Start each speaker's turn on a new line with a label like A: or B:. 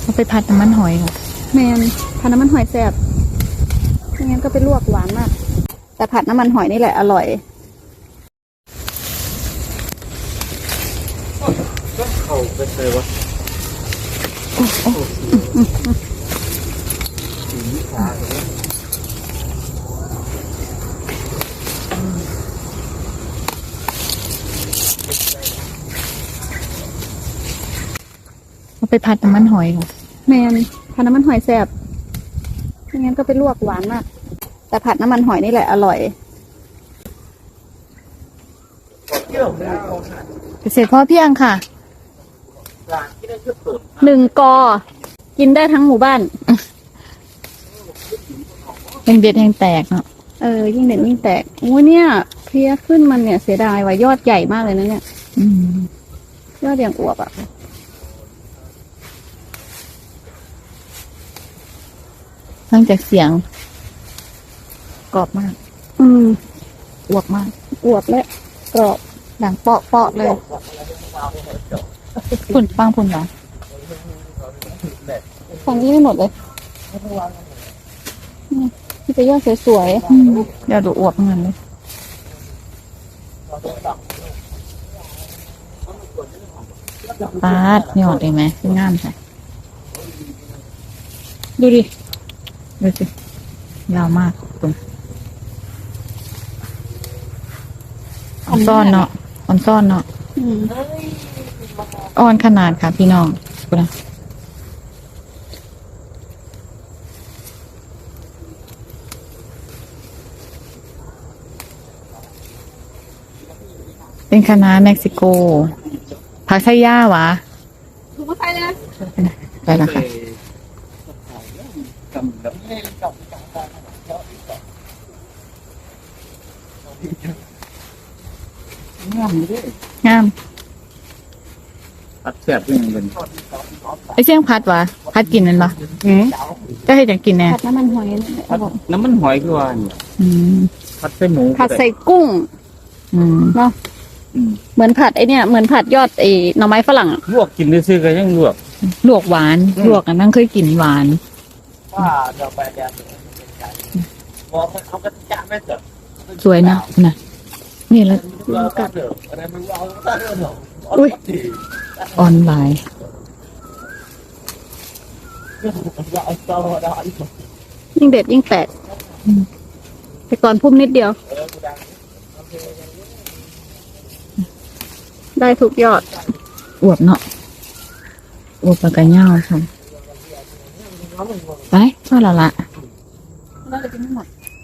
A: เอาไปผัดน้ำมันหอยค่ะ
B: แมนผัดน้ำมันหอยแซ่บไม่งั้นก็ไปลวกหวานมากแต่ผัดน้ำมันหอยนี่แหละอร่อย
C: ก็เข้าไปเลยวะ
A: เอาไปผัดน้ำมันหอยค่ะ
B: แมนผัดน้ำมันหอยแซ่บไม่งั้นก็ไปลวกหวานมากแต่ผัดน้ำมันหอยนี่แหละอร่อย
A: เกษตรพ่อเพียงค่ะ
B: 1 กอกินได้ทั้งหมู่บ้าน
A: ยังเด็ดแห่งแตกเนาะ
B: ยิ่งเด็ดยิ่งแตกโอ้ยเนี่ยเพลี้ยขึ้นมันเนี่ยเสียดายว่ายอดใหญ่มากเลยนะเนี่ยยอดอย่างอวบอ่ะ
A: ฟังจากเสียงกรอบมากอวบมาก
B: อวบและกรอบ
A: ดังเปาะเปาะเลยฝุ่นปังฝุ่นเหรอ
B: ฝั่งนี้ไม่หมดเลยนี่เป็นยอดสวย
A: เดี๋ยวดูอวบเงินเลยปาดหยอดเลยไหมงามใช่
B: ดูดิ
A: ดูสิยาวมากตรงอ่อนซ่อนเนาะอ่อนซ่อนเนาะอ่อนขนาดค่ะพี่น้องกูนะเป็นคณะเม็กซิโกผักไชย่าวะ
B: ถูกไหมนะ
A: ไปแล้วค่ะงาม
C: ผัดแซ่บยังเป็น
A: ไอเสี่ยงพัดวะพัดกินนั่นปะก็ให้จังกินแน่
B: ผัดน้ำมันหอย
C: น้ำมันหอยคือว่าผัดใส่หมู
B: ผัดใส่กุ้งเนาะเหมือนผัดไอเนี่ยเหมือนผัดยอดไอหน่อไม้ฝรั่ง
C: ลวกกินซื้อๆกันยัง
A: ลวกหวานลวกกันนั่งเคยกินหวานสวยนะนะนี่แล้วอุ้ยออนไลน์
B: ยิ่งเด็ดยิ่งแตกแต่ก่อนพุ่มนิดเดียวได้ทุกยอด
A: อวบเนาะอวบปากกาเน่าค่ะไปพ่อละ
B: น่าจะกินไม่หมด